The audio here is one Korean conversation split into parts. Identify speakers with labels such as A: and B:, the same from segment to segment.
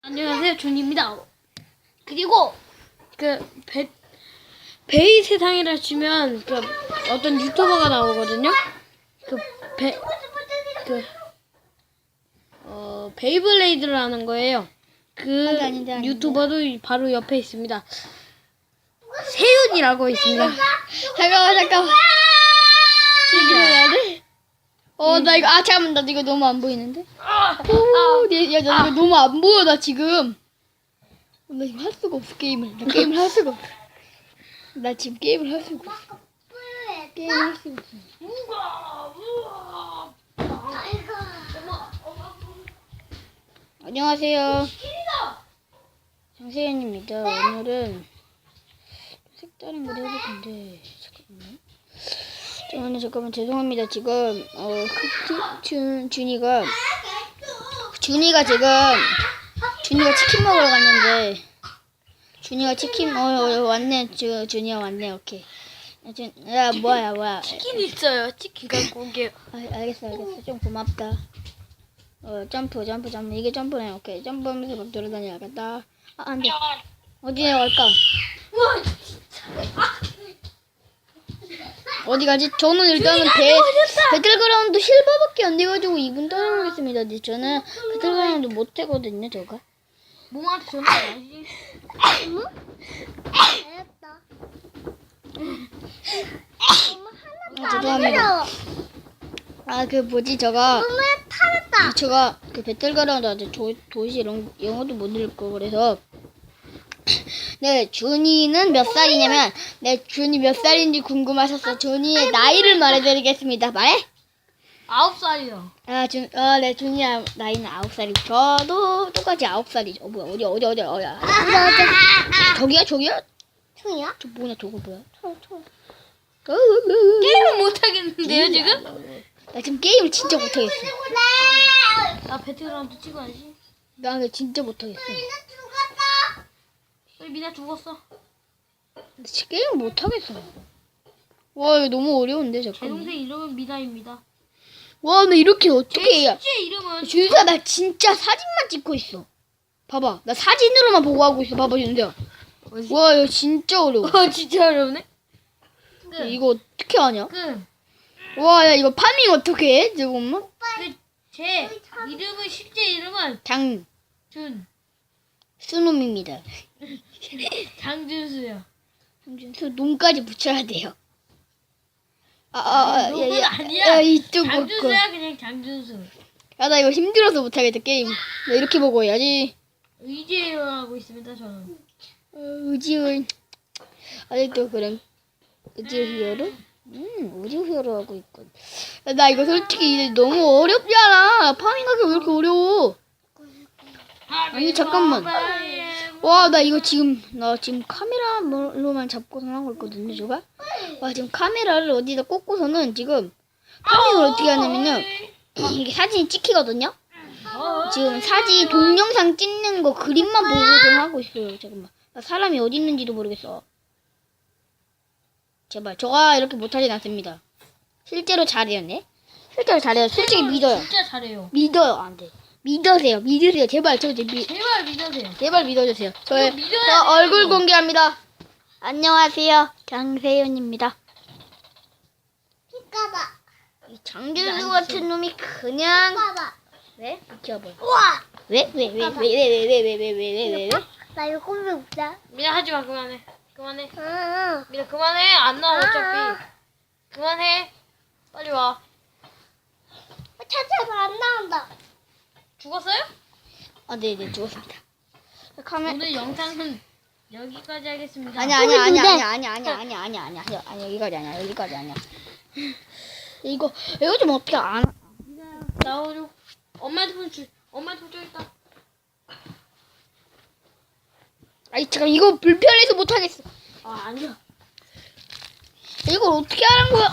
A: 안녕하세요, 존입니다. 그리고 베이 세상이라 치면 어떤 유튜버가 나오거든요. 베이블레이드를 하는 거예요.
B: 아닌데.
A: 유튜버도 바로 옆에 있습니다. 세윤이라고 있습니다.
B: 잠깐만. 얘기를 해야 돼? 나 이거, 잠깐만, 나 이거 너무 안 보이는데? 나 이거 너무 안 보여, 나 지금. 나 지금 할 수가 없어, 게임을. 나 게임을 할 수가 없어. 나 지금 게임을 할 수가 없어. 게임을 할 수가 없어. 안녕하세요. 장세현입니다. 오늘은 색다른 걸 해볼 건데, 잠깐만, 죄송합니다. 지금, 준이가 치킨 먹으러 갔는데, 준이가 치킨, 왔네. 준이가 왔네, 오케이. 야, 뭐야.
A: 치킨 있어요. 치킨 갖고 올게요.
B: 알겠어. 좀 고맙다. 점프. 이게 점프네, 오케이. 점프하면서 막 돌아다녀야겠다. 안 돼. 어디 내려갈까? 어디 가지? 저는 일단은 배틀그라운드 실버밖에 안 돼가지고 2분 따라오겠습니다. 근데 저는 배틀그라운드 못 해거든요, 저가.
A: 몸한테 전화 와야지.
B: 죄송합니다. 제가 그 배틀그라운드 아직 도시 영어도 못 읽고 그래서. 네, 준이는 몇 살이냐면, 준이 몇 살인지 궁금하셔서 준이의 나이를 말해드리겠습니다. 말해?
A: 9살이요.
B: 네, 준이 나이는 9살이고, 저도 똑같이 9살이죠. 뭐야, 어디야? 저기야? 총이야? 저거 뭐야? 총.
A: 게임을 못 하겠는데요, 지금?
B: 나 지금 게임을 진짜 못하겠어.
A: 나 배틀그라운드 찍어야지.
B: 나 근데 진짜 못하겠어.
A: 미나 죽었어.
B: 진짜 게임 못하겠어. 와, 이거 너무 어려운데,
A: 제
B: 잠깐만.
A: 동생 이름은 미나입니다.
B: 와, 나 이렇게 어떻게 해야.
A: 실제 이름은
B: 준수야, 나 진짜 사진만 찍고 있어. 봐봐, 나 사진으로만 보고 하고 있어. 봐봐, 준수야. 와, 이거 진짜 어려워.
A: 진짜 어렵네.
B: 이거 어떻게 하냐? 와, 야, 이거 파밍 어떻게 해? 잠깐만.
A: 제 이름은 실제 이름은
B: 수놈입니다.
A: 장준수요.
B: 장준수 놈까지 붙여야 돼요.
A: 놈은 아니야.
B: 야, 이쪽
A: 장준수야, 그냥 장준수.
B: 야, 나 이거 힘들어서 못하겠다, 게임. 나 이렇게 보고 해야지.
A: 의지로 하고 있습니다, 저는.
B: 의지의 아직도 그냥 의지히어로? 의지히어로 하고 있군. 야, 나 이거 솔직히 이제 너무 어렵잖아. 파밍하기 왜 이렇게 어려워? 아니, 잠깐만. 와, 나 지금 카메라로만 잡고서 하고 있거든요, 제가. 와, 지금 카메라를 어디다 꽂고서는 지금 파밍을 어떻게 하냐면요. 이게 사진이 찍히거든요. 지금 사진 동영상 찍는 거 그림만 보고서 하고 있어요. 잠깐만. 나 사람이 어디 있는지도 모르겠어. 제발, 저가 이렇게 못하진 않습니다. 실제로 잘해요, 네? 실제로 잘해요. 솔직히 믿어요.
A: 진짜 잘해요.
B: 믿어요, 안 돼. 믿으세요. 제발,
A: 제발 믿으세요.
B: 제발 믿어주세요. 저
A: 믿어야
B: 얼굴
A: 돼요.
B: 공개합니다. 안녕하세요, 장세윤입니다. 이 장준수 같은 놈이 그냥. 왜? 비켜봐. 왜?
C: 나 이거 꼼짝 없자.
A: 미나 하지 마, 그만해. 미나 그만해. 안 나와 어차피. 그만해. 빨리 와.
C: 찾아봐, 안 나온다.
A: 죽었어요?
B: 네네, 죽었습니다.
A: 오늘 영상은 여기까지 하겠습니다.
B: 아니야, 여기까지 아니야. 이거 좀 어떻게 안.
A: 나오죠. 엄마한테 폰 줘있다.
B: 아니, 잠깐, 이거 불편해서 못하겠어.
A: 아니야.
B: 이걸 어떻게 하는 거야?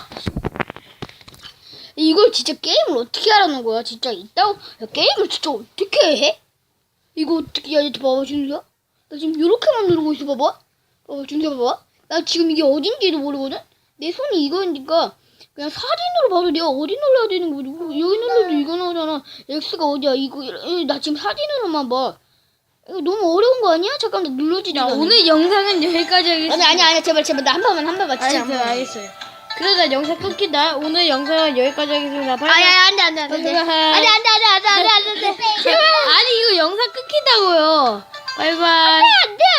B: 이걸 진짜 게임을 어떻게 하라는 거야? 진짜 있다고? 야, 게임을 진짜 어떻게 해? 이거 어떻게 해야지? 봐봐, 준수야. 나 지금 이렇게만 누르고 있어, 봐봐. 준수야, 봐봐. 나 지금 이게 어딘지도 모르거든? 내 손이 이거니까 그냥 사진으로 봐도 내가 어디 눌러야 되는 거지. 여기 눌러도 이거 나오잖아. X가 어디야? 이거 나 지금 사진으로만 봐. 이거 너무 어려운 거 아니야? 잠깐만 눌러지지
A: 야,
B: 않아.
A: 오늘 영상은 여기까지 하겠습니다.
B: 아니 제발 나 한 번만 진짜 한 번만.
A: 알겠어요. 그러다 영상 끊긴다. 오늘 영상은 여기까지 하겠습니다.
B: 안돼 안돼.
A: 아니 이거 영상 끊긴다고요. 바이바이.
B: 안돼